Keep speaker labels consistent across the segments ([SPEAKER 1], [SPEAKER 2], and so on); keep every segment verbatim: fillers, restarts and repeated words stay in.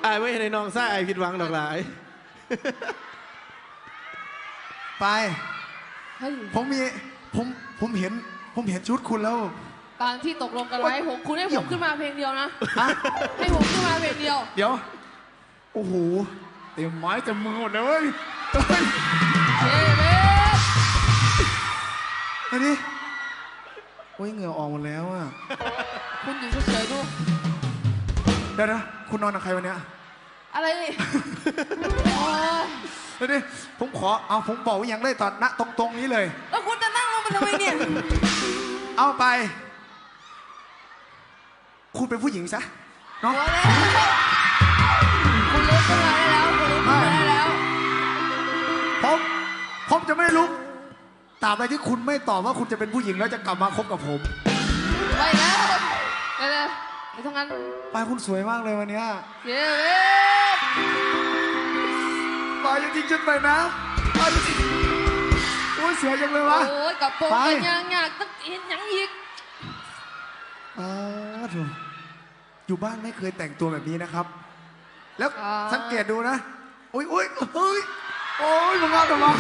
[SPEAKER 1] อายไม่ในน้องซ่าไอผิดหวังดอกหลาย
[SPEAKER 2] ไปผมมีผมผมเห็นผมเห็นชุดคุณแล้ว
[SPEAKER 3] ตามที่ตกลงกันไว้ผมคุณให้ผมขึ้นมาเพลงเดียวนะให้ผมขึ้นมาเพลงเดียว
[SPEAKER 2] เดี๋ยวโอ้โหเต็มไม้เต็มมือหมดเลยเว้ย
[SPEAKER 3] เฮ้ย
[SPEAKER 2] เฮ้ยนี่โอ้ยเหงื่อออกหมดแล้วอ่ะ
[SPEAKER 3] คุณอยู่เฉยๆดู
[SPEAKER 2] เดี๋ยวนะคุณนอนกับใครวันเนี้ย
[SPEAKER 3] อะไรนี่
[SPEAKER 2] เดี๋ยวดิผมขอเอาผมบอกว่ายังได้ตอนณตรงตรงนี้เลย
[SPEAKER 3] แล้วคุณจะนั่งลงไปทำไมเนี่ย
[SPEAKER 2] เอาไปคุณเป็นผู้หญิงซะเนาะ
[SPEAKER 3] คุณลุกขึ้นมาได้แล้วคุณลุกขึ้นมาได้แล้ว
[SPEAKER 2] ผมผมจะไม่ลุกตราบใดที่คุณไม่ตอบว่าคุณจะเป็นผู้หญิงแล้วจะกลับมาคบกับผม
[SPEAKER 3] ไปแล้วไปเลยไปทำงาน
[SPEAKER 2] ปายคุณสวยมากเลยวันนี้
[SPEAKER 3] เย้
[SPEAKER 2] ปายจริงๆจนไปนะปายจริงโอ้ยสวยจังเลยวะ
[SPEAKER 3] โอ้ยกับโป๊ะยังอยากต้องเห็นยังอีก
[SPEAKER 2] อ๋อถูกอยู่บ้านไม่เคยแต่งตัวแบบนี้นะครับแล้วสังเกตดูนะอุ้ยอุ้ยเฮ้ยโอ้ยมึงเอาทำไม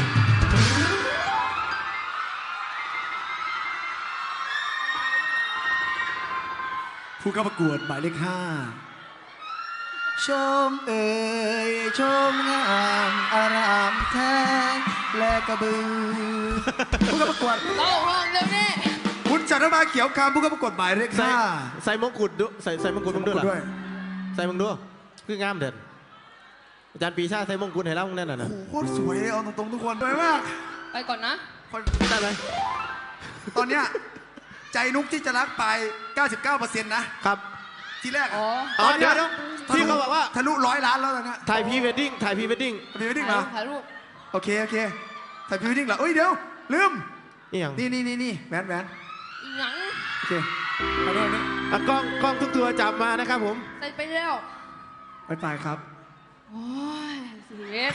[SPEAKER 2] ผู้เข้าประกวดหมายเลขห้าชมเอ่ยชมงามอารามแท้และกระบือผู้เข้าประกวด
[SPEAKER 3] เข้าห้องเดี๋ยวนี้
[SPEAKER 2] คุณจันทมาเขียวคำผู้เข้าประกวดหมายเลขห้า
[SPEAKER 1] ใส่มงกุฎด้วยใส่ใส่มงกุฎมึงด้วยเหรอใส่มึงด้วยคืองามเด่นอาจารย์ปีชาใส่มงกุฎให้เราแน่นอนนะ
[SPEAKER 2] โอ้โหโคตรสวยเลยเอาตรงๆทุกคนสวยมาก
[SPEAKER 3] ไปก่อนนะ
[SPEAKER 1] ได้ไหม
[SPEAKER 2] ตอนเนี้ยใจนุกที่จะรักไป เก้าสิบเก้าเปอร์เซ็นต์ นะครับทีแรก
[SPEAKER 3] อ๋
[SPEAKER 1] อเดี๋ยวที่เขาบอกว่า
[SPEAKER 2] ทะลุร้อยล้านแล้วตอนนี้
[SPEAKER 1] ถ่ายพรีเวดดิ้งถ่ายพรีเวดดิ้ง
[SPEAKER 2] พรีเวดดิ้งเหรอ
[SPEAKER 3] ถ่ายรูป
[SPEAKER 2] โอเคโอเคถ่ายพรีเวดดิ้งเหรอเอ้ยเดี๋ยวลืม
[SPEAKER 1] นี่
[SPEAKER 2] นี่นี่นี่แหวนแหวน
[SPEAKER 3] หยัง
[SPEAKER 2] โอเคเอาด้วยนี่
[SPEAKER 1] กล้องกล้องทุกตัวจับมานะครับผม
[SPEAKER 3] ใส่ไปแล้ว
[SPEAKER 2] ไปตายครับ
[SPEAKER 3] โอ้ยสิเวท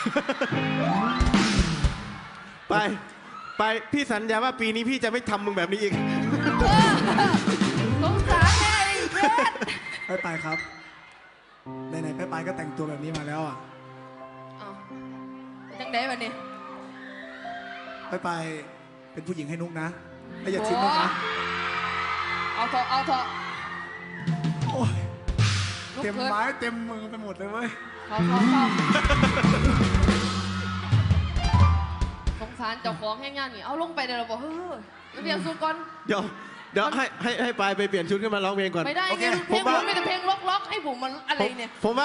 [SPEAKER 1] ไปไปพี่สัญญาว่าปีนี้พี่จะไม่ทำมึงแบบนี้อีก
[SPEAKER 3] สงสารแน่เวท
[SPEAKER 2] ไปไปครับไหนๆไปไปก็แต่งตัวแบบนี้มาแล้วอ่ะ
[SPEAKER 3] จังได้แบบนี้
[SPEAKER 2] ไปไปเป็นผู้หญิงให้นุ๊กนะแล้วอย่าทิ้งนุ๊กนะ
[SPEAKER 3] เอาเถอะเอาเถอะ
[SPEAKER 2] โอ้ยเต็มไม้เต็มมือไปหมดเลยเว้ย
[SPEAKER 3] เขาเขาเขาสงสารเจ้าของแห้งงานนี่เอาลงไปเดี๋ยวเราบอกเฮ้ยเปลี่ยนชุดก่อน
[SPEAKER 1] เดี๋ยวเดี๋ยวให้ให้ให้ปายไปเปลี่ยนชุดขึ้นมาร้องเพลงก่อน
[SPEAKER 3] ไม่ได้ไงเพลงผมมีแต่เพลงล็อกๆให้ผมมันอะไรเนี่ย
[SPEAKER 1] ผมว่า